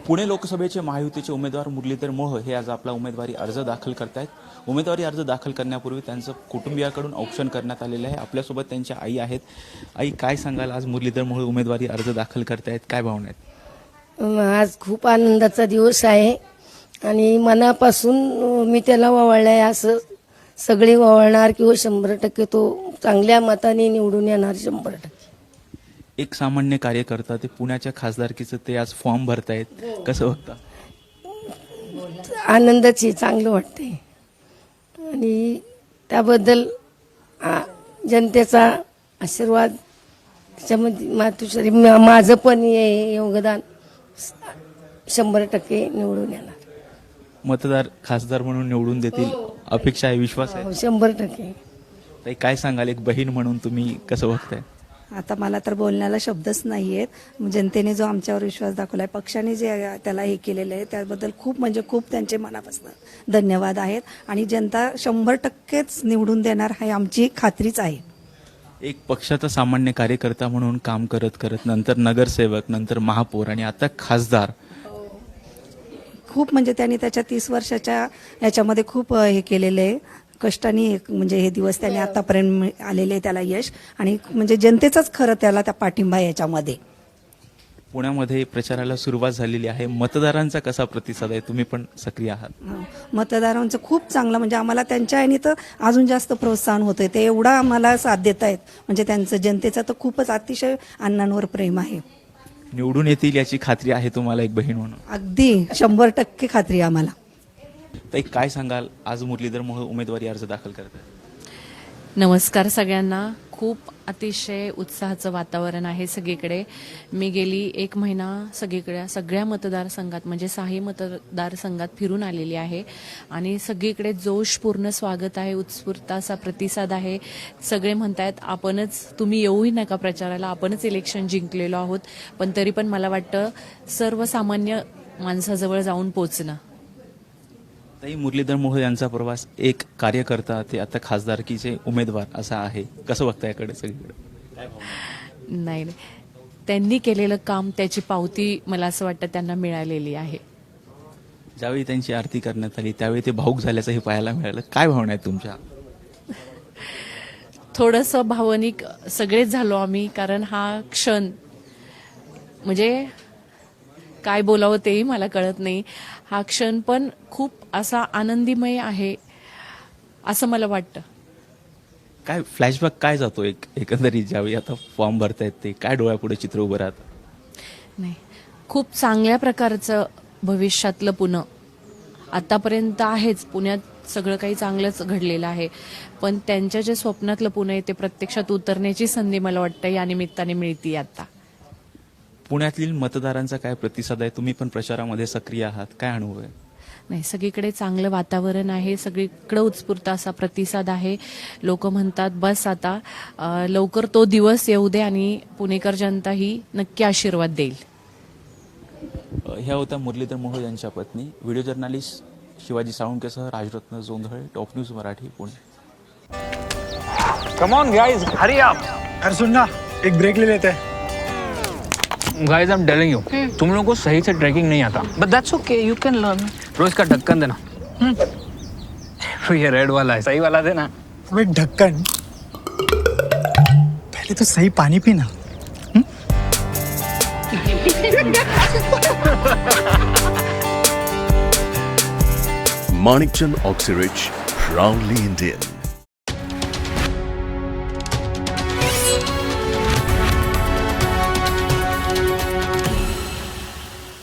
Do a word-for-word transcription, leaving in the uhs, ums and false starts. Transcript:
पुणे लोकसभेचे महायुतीचे उमेदवार मुरलीधर मोहोळ हे आज आपला उमेदवारी अर्ज दाखल करतायत. उमेदवारी अर्ज दाखल करण्यापूर्वी त्यांचं कुटुंबियाकडून औक्षण करण्यात आलेलं आहे. आपल्यासोबत त्यांच्या आई आहेत. आई, काय सांगाल, आज मुरलीधर मोहोळ उमेदवारी अर्ज दाखल करतायत, काय भावना आहेत? आज खूप आनंदाचा दिवस आहे आणि मनापासून मी त्याला वळलाय. असं सगळे वळणार किंवा शंभर टक्के तो चांगल्या मताने निवडून येणार शंभर टक्के. एक सामान्य कार्यकर्ता ते पुण्याच्या खासदारकीचं ते आज फॉर्म भरतायत, कसं बघता? आनंदाची चांगलं वाटतंय आणि त्याबद्दल आ, जनतेचा आशीर्वाद त्याच्यामध्ये मातुश्री माझं पण हे योगदान शंभर टक्के निवडून येणार. मतदार खासदार म्हणून निवडून देतील अपेक्षा आहे, विश्वास आहे? शंभर टक्के. ताई, काय सांगाल, एक बहीण म्हणून तुम्ही कसं बघताय? आता मला तर बोलण्याला शब्दच नाही आहेत. जनतेने जो आमच्यावर विश्वास दाखवलाय, पक्षाने जे त्याला हे केलेलं आहे त्याबद्दल खूप म्हणजे खूप त्यांचे मनापासून धन्यवाद आहेत. आणि जनता शंभर टक्केच निवडून देणार हे आमची खात्रीच आहे. एक पक्षाचा सामान्य कार्यकर्ता म्हणून काम करत करत नंतर नगरसेवक, नंतर महापौर आणि आता खासदार, खूप म्हणजे त्यांनी त्याच्या तीस वर्षाच्या याच्यामध्ये खूप हे केलेलं आहे. कष्टाने म्हणजे हे दिवस त्याने आतापर्यंत आलेले आहे त्याला यश. आणि म्हणजे जनतेचाच खरं त्याला त्या पाठिंबा याच्यामध्ये. पुण्यामध्ये प्रचाराला सुरुवात झालेली आहे. मतदारांचा कसा प्रतिसाद आहे? तुम्ही पण सक्रिय आहात. मतदारांचं खूप चांगलं, म्हणजे आम्हाला त्यांच्या याने तर अजून जास्त प्रोत्साहन होतंय. ते एवढा आम्हाला साथ देत आहेत. म्हणजे त्यांचं जनतेचं तर खूपच अतिशय अण्णांवर प्रेम आहे. निवडून येतील याची खात्री आहे तुम्हाला एक बहीण म्हणून? अगदी शंभर टक्के खात्री आहे आम्हाला. ताई, काय सांगाल, आज मुरलीधर मोहोळ उमेदवारी अर्ज दाखल करतात? नमस्कार सगळ्यांना. खूप अतिशय उत्साहाचं वातावरण आहे सगळीकडे. मी गेली एक महिना सगळीकडे सगळ्या मतदारसंघात म्हणजे सहाही मतदारसंघात फिरून आलेली आहे आणि सगळीकडे जोशपूर्ण स्वागत आहे, उत्स्फूर्त असा प्रतिसाद आहे. सगळे म्हणतायत आपणच, तुम्ही येऊही नका प्रचाराला, आपणच इलेक्शन जिंकलेलो आहोत. पण तरी पण मला वाटतं सर्वसामान्य माणसाजवळ जाऊन पोचणं. ताई, मुरलीधर मोहोळ यांचा प्रवास एक कार्यकर्ता ते आता खासदारकीचे उमेदवार असा आहे, कसं बघता याकडे सगळीकडे? नाही नाही, त्यांनी केलेलं काम, त्याची पावती मला असं वाटतं त्यांना मिळालेली आहे. ज्यावेळी त्यांची आरती करण्यात आली त्यावेळी ते भाऊक झाल्याचंही पाहायला मिळालं. काय भावना आहेत तुमच्या? थोडंसं भावनिक सगळेच झालो आम्ही, कारण हा क्षण म्हणजे काय बोलावं तेही मला कळत नाही. हा क्षण पण खूप असा आनंदीमय आहे असं मला वाटतं. काय फ्लॅशबॅक काय जातो एक एकंदरीत ज्यावेळी आता फॉर्म भरतायत ते काय डोळ्यापुढे चित्र उभं राहतं? नाही, खूप चांगल्या प्रकारचं भविष्यातलं पुणे आतापर्यंत आहेच. पुण्यात सगळं काही चांगलंच घडलेलं आहे, पण त्यांच्या जे स्वप्नातलं पुणे आहे ते प्रत्यक्षात उतरण्याची संधी मला वाटतं या निमित्ताने मिळते. आता पुण्यातील मतदारांचा काय प्रतिसाद आहे? तुम्ही पण प्रचारामध्ये सक्रिय आहात, काय अनुभव आहे? नाही, सगळीकडे चांगलं वातावरण आहे, सगळीकडे उत्स्फूर्त असा प्रतिसाद आहे. लोक म्हणतात बस आता लवकर तो दिवस येऊ दे आणि पुणेकर जनता ही नक्की आशीर्वाद देईल. ह्या होत्या मुरलीधर मोहोळ यांच्या पत्नी. व्हिडिओ जर्नालिस्ट शिवाजी साळुंकेसह Rajratna Jondhale, top news Marathi, Pune. Come on guys, hurry up. अरे सुन ना, एक ब्रेक ले लेते हैं. Guys, I am telling you, तुम लोगों को सही से ट्रैकिंग नहीं आता, but that's okay, you can learn. रोज का ढक्कन देना. तो ये रेड वाला है, सही वाला देना. अबे ढक्कन, पहले तो सही पानी पीना. Manikchand Oxyrich, proudly Indian.